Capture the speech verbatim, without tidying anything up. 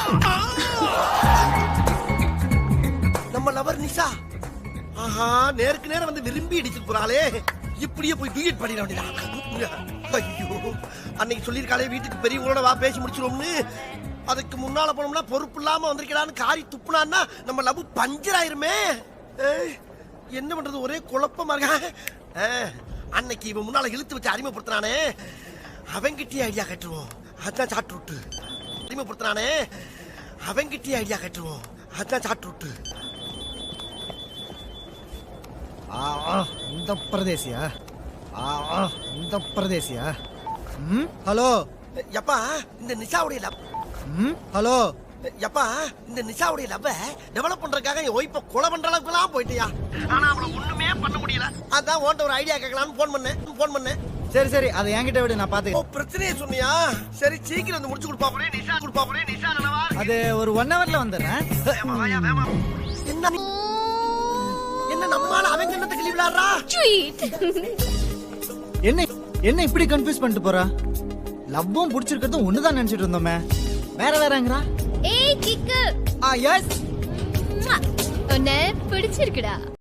நம்ம லவர் நிஷா ஆஹா நேருக்கு நேரம் வந்து விரும்பி இடிச்சிட்டு போறாளே. இப்படியே போய் டூயட் பண்ணிட வேண்டியதான். ஐயோ அன்னைக்கு சொல்லியிருக்காளே வீட்டுக்கு பெரியவங்களோட வா பேசி முடிச்சிடும்னு. அதுக்கு முன்னால போனோம்னா பொறுப்பு இல்லாம வந்திருக்கலான்னு காரி துப்புனான்னா நம்ம லவ் பஞ்சர் ஆயிருமே. என்ன பண்றது ஒரே குழப்பமா இருக்க. அன்னைக்கு இவன் முன்னால இழுத்து வச்சு அறிமுகப்படுத்தினானே அவங்கிட்டே ஐடியா கட்டுருவோம். அதான் சாட்டு விட்டு அறிமுகப்படுத்தினானே அவங்கிட்டே ஐடியா கட்டுருவோம். அதான் சாட்டு விட்டு. இந்த பிரதேசியா இந்த பிரதேசியா ஹலோ எப்பா இந்த நிஷாவுடைய லவ் ஹலோ எப்பா இந்த நிஷாவுடைய லவ்வ டெவலப் பண்றதுக்காக என் ஒய்ஃபை கொலை பண்ற அளவுக்கு எல்லாம் போயிட்டியா. ஆனா அவளை ஒண்ணுமே பண்ண முடியல. அதான் உன்ட்ட ஒரு ஐடியா கேட்கலாம்னு போன் பண்ணேன் போன் பண்ணேன் சரி சரி அதை என்கிட்ட விடு நான் பாத்துக்கிறேன். பிரச்சனையே சொன்னியா? சரி சீக்கிரம் வந்து முடிச்சு கொடுப்பா போறேன். நிஷா கொடுப்பா போறேன். நிஷா நலவா? அது ஒரு ஒன் ஹவர்ல வந்துடுறேன். என்ன என்ன நம்மால அவங்க என்னத்தை கிளி விளையாடுறா? என்ன என்ன இப்படி கன்ஃபியூஸ் பண்ணிட்டு போறா? லவ்வும் பிடிச்சிருக்கிறதும் ஒண்ணுதான் நினைச்சிட்டு இருந்தோமே. வேற வேறங்கறா? ஏய் கிக்கு. ஆ எஸ். உன்னை பிடிச்சிருக்குடா.